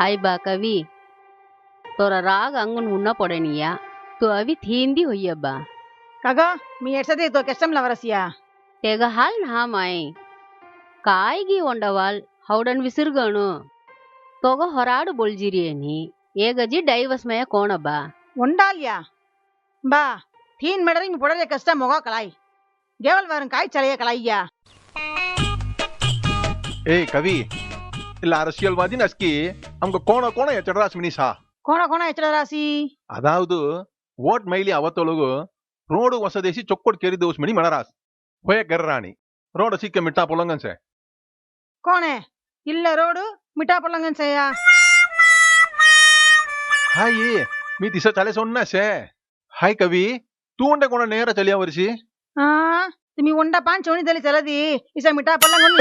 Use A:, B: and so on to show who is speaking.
A: हाय बा कवि तोरा राग अंगुन मुन्ना पड़निया तो अभी थींदी हुई अब्बा
B: कागा मी एड्सदी तो कष्टम लवरसिया
A: तेग हाल ना माय कायगी ओंडवाल हौडन विसिरगणु तोग ಹೊರಾಡು बोलजिरियनी ಏಗಜಿ ಡೈವಸ್ ಮಯ ಕೋಣಬ್ಬಾ
B: उंडालिया बा थीन मेडरिंग पड़े कष्टम मोगा कलाई गेवल वरन काय चलिए कलाइया
C: ಏ ಕವಿ ಇಲ್ಲ அரசியல்வாதி நஸ்கி அவங்க கோண கோண ಎಚ್ಚಡರಾಸ್ ಮಿನಿಸಾ
B: कोण कोण एचड रासी
C: ಅದಾವುದು ಓಟ್ ಮೈಲಿ ಅವತ್ತೊಳಗು ರೋಡು ಹೊಸದೇಸಿ ಚೊಕ್ಕೊಡ್ ಕೇರಿ ದೋಸ್ ಮಣಿ ಮಣರಾಸ್ ಹೋಯ ಗರ್ರಾಣಿ ರೋಡ್ ಸಿಕ್ಕ ಮಿಟ್ಟಾ ಪೊಲಂಗನ್ಸೆ
B: कोण है इल्ल रोड मिठा पलंगन से या
C: ಹಾಯ್ मी दिसा चाले सोन्नासे हाय कवी तू उंडे कोण ನೇರ ಚಲಿಯ ವರ್ಷಿ
B: तुम्ही उंडा पान चोणी दली चलदी इसा मिठा पलंगन